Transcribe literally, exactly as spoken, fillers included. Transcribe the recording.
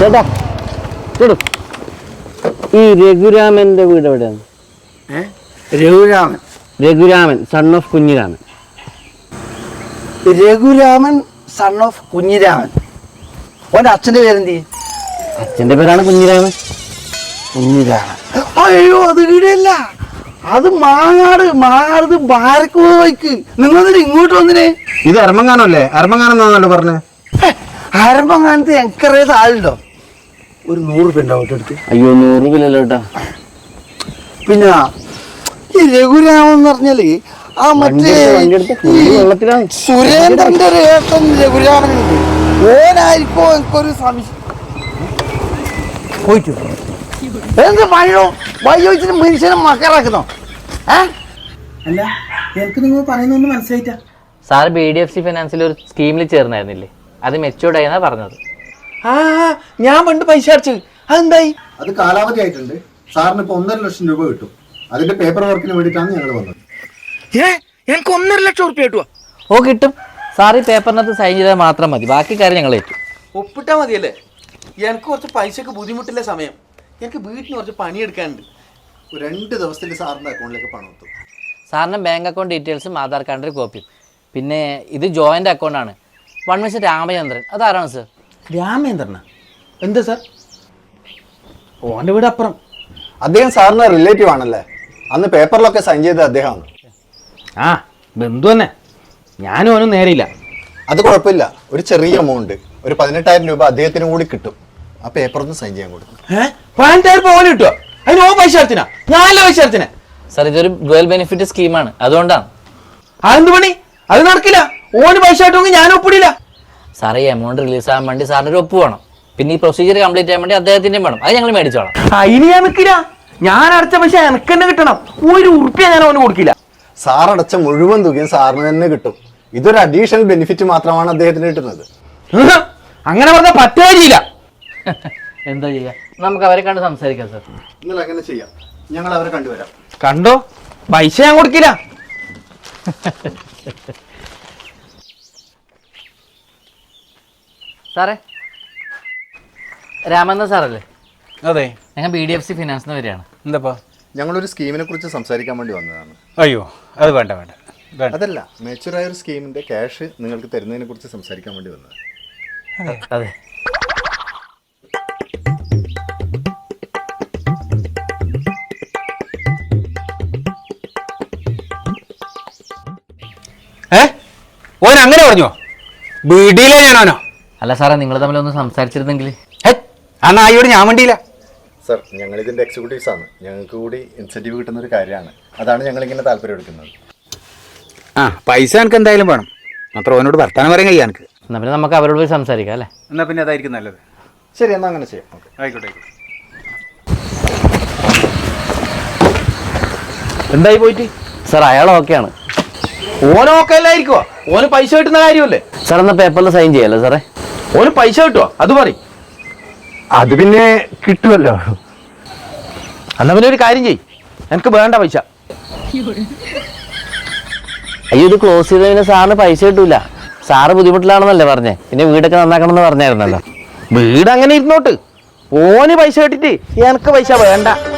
ചേട്ടാ ചേട്ടു ഈ രഘുരാമന്റെ വീട് എവിടെയാണ്? Raghuraman Raghuraman son of Kunhiraman. Raghuraman son of Kunhiraman. ഓന്റെ അച്ഛന്റെ പേരെന്തി? അച്ഛന്റെ പേരാണ് കുഞ്ഞിരാമൻ. കുഞ്ഞിരാമൻ. അയ്യോ അത് ഇവിടെയല്ല, അത് മാങ്ങാട്. മാങ്ങാട് ബാരക്ക് പോയിക്ക്. നിങ്ങൾ ഇങ്ങോട്ട് വന്നിനെ. ഇത് അരമങ്ങാനല്ലേ? അരമങ്ങാനെന്നാണല്ലോ പറഞ്ഞേ. അരമങ്ങാനത്ത് എനിക്കറിയാത്ത ആളുണ്ടോ? ഒരു നൂറ് രൂപ ഉണ്ടാവും എടുത്ത്. അയ്യോ നൂറ് രൂപയിലല്ലോ കേട്ടാ. പിന്നെ ഈ രഘുരാമൻ എന്ന് പറഞ്ഞാല് ആ മറ്റേ സുരേന്ദ്രന്റെ ഒരു ഏട്ടൻ രഘുരാമനുണ്ട്. ഓനായിരിക്കോ എനിക്കൊരു സംശയം. പോയിട്ടു എന്ത് വഴിയോ വഴിയോച്ചിട്ട് മനുഷ്യനെ മക്കളാക്കുന്നോ? അല്ല എനിക്ക് നിങ്ങൾ പറയുന്നൊന്നും മനസ്സിലായിട്ടാ. Sir B D F C ഫിനാൻസിൽ ഒരു സ്കീമിൽ ചേർന്നായിരുന്നില്ലേ? അത് മെച്ചൂർഡ് ആയെന്നാ പറഞ്ഞത്. ആ ഞാൻ പണ്ട് പൈസ അടച്ചു. അതെന്തായി? അത് കാലാവധി ആയിട്ടുണ്ട്. സാറിന് ഇപ്പൊ ഒന്നര ലക്ഷം രൂപ കിട്ടും. അതിന്റെ പേപ്പർ വർക്കിന് വേണ്ടിയിട്ടാണ് ഞങ്ങൾ വന്നത്. ഏ എനിക്ക് ഒന്നര ലക്ഷം ഉറുപ്പ്യ കിട്ടുവാ? ഓ കിട്ടും. സാർ ഈ പേപ്പറിനകത്ത് സൈൻ ചെയ്താൽ മാത്രം മതി, ബാക്കി കാര്യം ഞങ്ങൾ ഏറ്റു. ഒപ്പിട്ടാ മതിയല്ലേ? എനിക്ക് കുറച്ച് പൈസക്ക് ബുദ്ധിമുട്ടില്ല സമയം. എനിക്ക് വീട്ടിന് കുറച്ച് പണിയെടുക്കാനുണ്ട്. രണ്ട് ദിവസത്തിൽ സാറിന്റെ അക്കൗണ്ടിലേക്ക് പണം എത്തും. സാറിൻ്റെ ബാങ്ക് അക്കൗണ്ട് ഡീറ്റെയിൽസും ആധാർ കാർഡിൻ്റെ കോപ്പിയും. പിന്നെ ഇത് ജോയിൻ്റ് അക്കൗണ്ടാണ്. One mister Ramachandran. അതാരാണ് സർ? രാമേന്ദ്രനാ? എന്താ സാർ? ഓൻ്റെ വീട് അപ്പുറം. അദ്ദേഹം സാറിന് റിലേറ്റീവ് ആണല്ലേ? അന്ന് പേപ്പറിലൊക്കെ സൈൻ ചെയ്തത് അദ്ദേഹമാണ്. ആ ബന്ധു തന്നെ. ഞാനും അവനും നേരെയില്ല. അത് കുഴപ്പമില്ല. ഒരു ചെറിയ എമൗണ്ട്, ഒരു പതിനെട്ടായിരം രൂപ അദ്ദേഹത്തിന് കൂടി കിട്ടും. ആ പേപ്പർ ഒന്ന് സൈൻ ചെയ്യാൻ കൊടുക്കും. ഏഹ് പതിനെട്ടായിരം രൂപ ഓന് കിട്ടുക? അതിന് ഓ പൈസ അടച്ചിനാ? ഞാനല്ല പൈസ അടച്ചിനെ. സാർ ഇതൊരു ഡുവൽ ബെനിഫിറ്റ് സ്കീമാണ്, അതുകൊണ്ടാണ്. അതെന്ത് പണി? അത് നടക്കില്ല. ഓന് പൈസ ആയിട്ടൊന്നും ഞാൻ ഒപ്പിടില്ല. സാർ ഈ എമൗണ്ട് റിലീസ് ആകാൻ വേണ്ടി സാറിന് ഒരു ഒപ്പ് വേണം. പിന്നെ ഈ പ്രൊസീജിയർ കംപ്ലീറ്റ് ചെയ്യാൻ വേണ്ടി അദ്ദേഹത്തിൻ്റെയും വേണം. അത് ഞങ്ങൾ മേടിച്ചോളാം. അതിന് ഞാൻ നിൽക്കില്ല. ഞാൻ അടച്ച പൈസ എനിക്ക് തന്നെ കിട്ടണം. ഒരു ഉറുപ്പ്യ ഞാൻ അവന് കൊടുക്കില്ല. സാർ അടച്ച മുഴുവൻ തുകയും സാറിന് തന്നെ കിട്ടും. ഇതൊരു അഡീഷണൽ ബെനിഫിറ്റ് മാത്രമാണ് അദ്ദേഹത്തിന് കിട്ടുന്നത്. അങ്ങനെ പറഞ്ഞാൽ പറ്റുകയില്ല. എന്താ ചെയ്യാ, നമുക്ക് അവരെ കണ്ട് സംസാരിക്കാം സാർ. നിങ്ങൾ അങ്ങനെ ചെയ്യാം. ഞങ്ങൾ അവരെ കണ്ടുവരാം. കണ്ടോ, പൈസ ഞാൻ കൊടുക്കില്ല. സാറേ, രാമന്ന സാറല്ലേ? അതെ, ഞങ്ങൾ ബി ഡി എഫ് സി ഫിനാൻസിന് വരികയാണ്. എന്താ? ഞങ്ങളൊരു സ്കീമിനെ കുറിച്ച് സംസാരിക്കാൻ വേണ്ടി വന്നതാണ്. അയ്യോ അത് വേണ്ട വേണ്ട. അതല്ല, മെച്ചൂറായ ഒരു സ്കീമിന്റെ ക്യാഷ് നിങ്ങൾക്ക് തരുന്നതിനെ കുറിച്ച് സംസാരിക്കാൻ വേണ്ടി വന്നത്. അതെ. ഏ ഓൻ അങ്ങനെ പറഞ്ഞോ? വീടിയിലെ ഞാനാണോ? അല്ല സാറേ, നിങ്ങൾ തമ്മിലൊന്ന് സംസാരിച്ചിരുന്നെങ്കിൽ. ആ നായോട് ഞാൻ വേണ്ടിയില്ല. സർ, ഞങ്ങൾ ഇതിന്റെ എക്സിക്യൂട്ടീവ്സ് ആണ്. ഞങ്ങൾക്ക് കൂടി ഇൻസെന്റീവ് കിട്ടുന്ന ഒരു കാര്യമാണ്. അതാണ് ഞങ്ങൾ ഇങ്ങനെ താല്പര്യം എടുക്കുന്നത്. ആ പൈസ എനിക്ക് എന്തായാലും വേണം. മാത്രം ഓനോട് വർത്താനം പറയാൻ കഴിയാ എനിക്ക്. എന്നാൽ പിന്നെ നമുക്ക് അവരോട് പോയി സംസാരിക്കാം അല്ലേ? എന്നാൽ പിന്നെ അതായിരിക്കും നല്ലത്. ശരി, എന്നാൽ അങ്ങനെ ചെയ്യാം. ഓക്കെ, ആയിക്കോട്ടെ ആയിക്കോട്ടെ. എന്തായി പോയിട്ട്? സാർ അയാൾ ഓക്കെയാണ്. ഓന് ഓക്കെ അല്ലായിരിക്കുവോ? ഓന് പൈസ കിട്ടുന്ന കാര്യമല്ലേ? സാർ എന്നാൽ പേപ്പറിൽ സൈൻ ചെയ്യല്ലേ സാറേ? ഓന് പൈസ കിട്ടുവോ? അത് പറയും. അത് പിന്നെ കിട്ടുമല്ലോ. എന്നാ പിന്നെ ഒരു കാര്യം ചെയ്യ്, എനിക്ക് വേണ്ട പൈസ. അയ്യോ, ഇത് ക്ലോസ് ചെയ്ത പിന്നെ സാറിന് പൈസ കിട്ടൂല. സാറ് ബുദ്ധിമുട്ടിലാണെന്നല്ലേ പറഞ്ഞേ? പിന്നെ വീടൊക്കെ നന്നാക്കണം എന്ന് പറഞ്ഞായിരുന്നല്ലോ. വീട് അങ്ങനെ ഇരുന്നോട്ട്. ഓന് പൈസ കിട്ടിട്ട് എനിക്ക് പൈസ വേണ്ട.